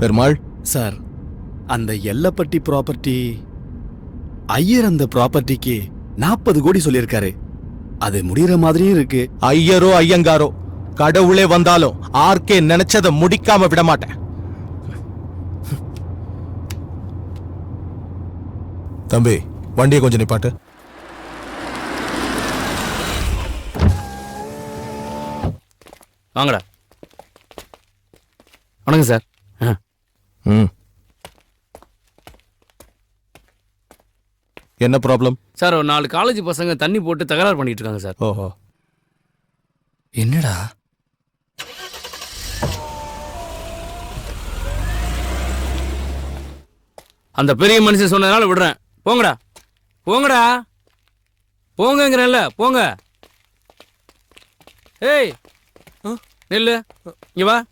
Perumal sir, அந்த Ellapatti property Iyer அந்த ப்ராப்பர்ட்டிக்கு 40 கோடி சொல்லியிருக்காரு. அது முடிகிற மாதிரியும் இருக்கு. ஐயரோ ஐயங்காரோ கடவுளே வந்தாலும் ஆர்கே நினைச்சதை முடிக்காம விட மாட்டேன். தம்பி, வண்டியை கொஞ்சம் நிப்பாட்டு. வாங்கடா. வணக்கம் சார். என்ன ப்ராப்ளம் சார்? ஒரு 4 காலேஜ் பசங்க தண்ணி போட்டு தகராறு பண்ணிட்டு இருக்காங்க சார். ஓஹோ, என்னடா? அந்த பெரிய மனுஷன் சொன்னதுனால விடுறேன். போங்கடா போங்கடா போங்கங்கிறேன்ல, போங்க. ஏய் நில்லு, இங்க வா.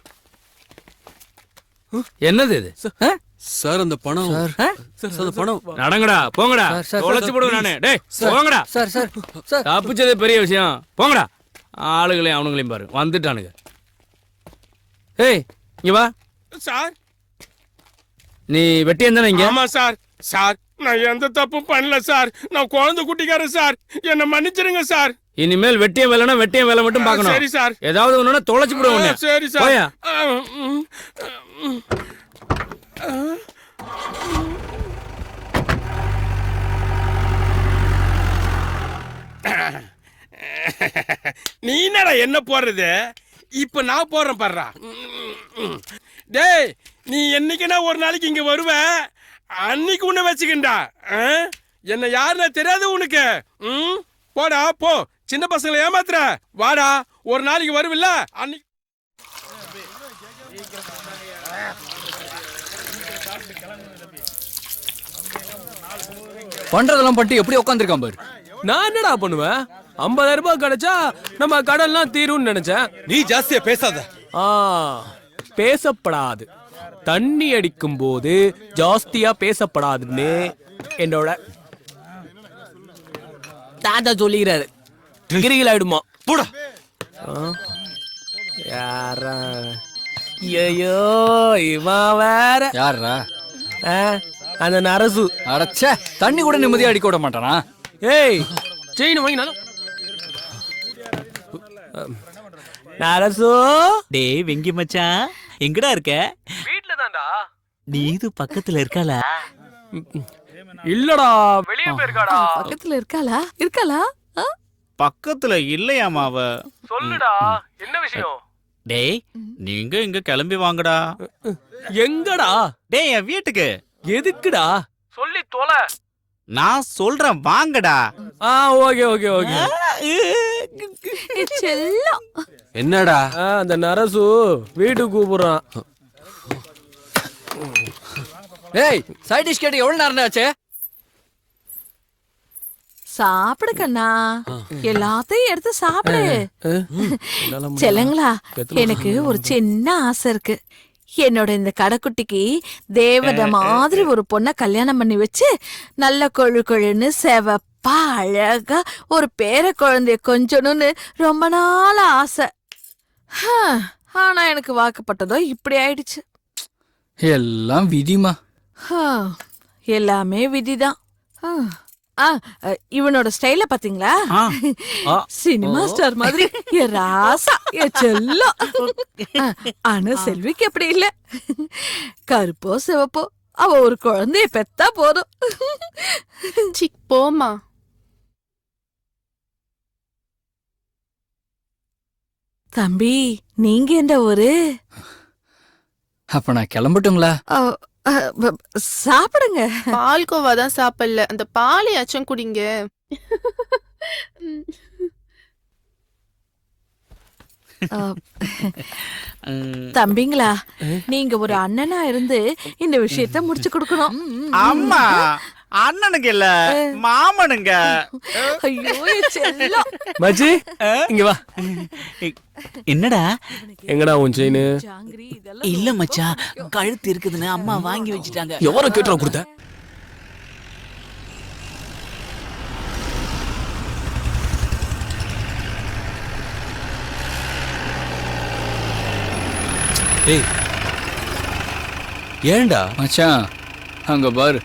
என்னது இது? சார் அந்த பணம் சார் பணம் நடங்கடா, போங்கடா. தொலைச்சு போடுவேன் நானு. டேய் போங்கடா. சார் சார் சார், தப்பிச்சது பெரிய விஷயம். போங்கடா. ஆளுகளையும் அவனுங்களையும் பாரு, வந்துட்டானுங்க. ஏய் இங்க வா. சார், நீ வெட்டியம் தானே இங்க? ஆமா சார். சார், நான் எந்த தப்பும் பண்ணல சார். நான் குழந்தை குட்டிக்காரன் சார். என்ன மன்னிச்சிருங்க சார். இனிமேல் வெட்டியம் வேலைனா வெட்டியம் வேலை மட்டும் பார்க்கணும். சரி சார். ஏதாவது ஒண்ணுனா தொலைச்சு போடுவேன். சரி சார். போயா. நீ என்னடா என்ன போடுறது? இப்ப நான் போடுறேன் பாடுறா. டேய், நீ என்னைக்குன்னா ஒரு நாளைக்கு இங்க வருவ. அன்னைக்கு உன்னை வச்சுக்கிண்டா. என்ன யாருன்னா தெரியாது உனக்கு. போடா போ. சின்ன பசங்களை ஏமாத்துற. வாடா, ஒரு நாளைக்கு வருவில்ல அன்னைக்கு. பண்றதெல்லாம் பட்டு எப்படி உட்காந்துருக்கான் பாரு. நான் என்னடா பண்ணுவேன்? 50,000 ரூபாய் கிடைச்சா நம்ம கடன்லாம் தீரும்னு நினைச்சேன். நீ ஜாஸ்தியா பேசாத. பேசப்படாது. தண்ணி அடிக்கும் போது ஜாஸ்தியா பேசப்படாதுன்னு என்னோட தாத்தா சொல்லிக்கிறாரு. கிரிகள் ஆயிடுமா? போடா. யாரா? ஐயோ, இவன் வேற. யாரா? அந்த நரசு. அடச்சே, தண்ணி கூட நிம்மதியா அடிக்க விட மாட்டானா? ஏய், செயின் வாங்கினாலும் நரசு. டேய் வெங்கி மச்சான், எங்கடா இருக்க? வீட்ல தான்டா. நீ இது பக்கத்துல இருக்கால? இல்லடா, வெளிய போயிருக்காடா. பக்கத்துல இருக்காளா? பக்கத்துல இல்லையாமா அவ. சொல்லுடா, என்ன விஷயம்? டேய் நீங்க இங்க கிளம்பி வாங்கடா. எங்கடா? டேய் என் வீட்டுக்கு. எதுக்குடா? சொல்லி தொலை. நான் சொல்றேன் வாங்கடா. Okay okay okay. செல்லம். என்னடா? அந்த நரசு வீட்டுக்கு கூப்பிடுறான். ஏய், சைட் டிஷ் கேட்டு எவ்வளவு நேரம் ஆச்சு? சாப்பிடு கண்ணா, எல்லாத்தையும் எடுத்து சாப்பிடு. செல்லங்களா, எனக்கு ஒரு சின்ன ஆசை இருக்கு. என்னோட இந்த கடைக்குட்டிக்கு தேவதை மாதிரி ஒரு பொண்ணை கல்யாணம் பண்ணி வச்சு நல்ல கொழு கொழுன்னு செவப்பா அழகா ஒரு பேர குழந்தைய கொஞ்சணும்னு ரொம்ப நாள் ஆசை. ஆனா எனக்கு வாக்குப்பட்டதோ இப்படி ஆயிடுச்சு. எல்லாம் விதிமா. எல்லாமே விதிதான். இவனோட ஸ்டைல பாத்தீங்களா? சினிமா ஸ்டார் மாதிரி. என் ராசா, என் செல்லம். ஆனா செல்விக்கு அப்படி இல்ல. கருப்போ சிவப்போ அவ ஒரு குழந்தைய பெத்தா போதும். போமா. தம்பி, நீங்க எந்த ஊரு? அப்ப நான் கிளம்பட்டுங்களா? சாப்பிடுங்க. பால்கோவா தான் சாப்பிடல, அந்த பாலையாச்சும் குடிங்க. தம்பிங்களா, நீங்க ஒரு அண்ணனா இருந்து இந்த விஷயத்த முடிச்சு கொடுக்கணும். அம்மா, அண்ணனுங்க இல்ல மாமனுங்க. ஐயோ செல்லம். மச்சி, இங்க வா. என்னடா? எங்கடா உன் செயின்? இல்ல மச்சான், கழுத்து இருக்குதுன்னு அம்மா வாங்கி வச்சுட்டாங்க. எவரோ கேட்டுற கொடுத்த? ஏய், ஏன்டா? மச்சான் அங்க பாரு.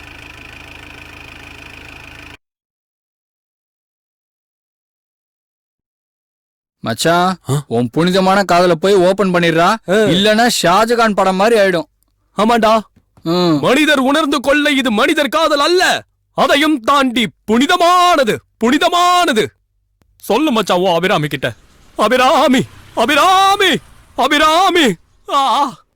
மச்சான் உன் புனிதமான காதல போய் ஓபன் பண்ணிடுறா, இல்லனா ஷாஜகான் படம் மாதிரி ஆயிடும். ஆமாண்டா, ம். மனிதர் உணர்ந்து கொள்ள இது மனிதர் காதல் அல்ல, அதையும் தாண்டி புனிதமானது, புனிதமானது. சொல்லு மச்சான் ஓ அபிராமி கிட்ட. அபிராமி, அபிராமி, அபிராமி.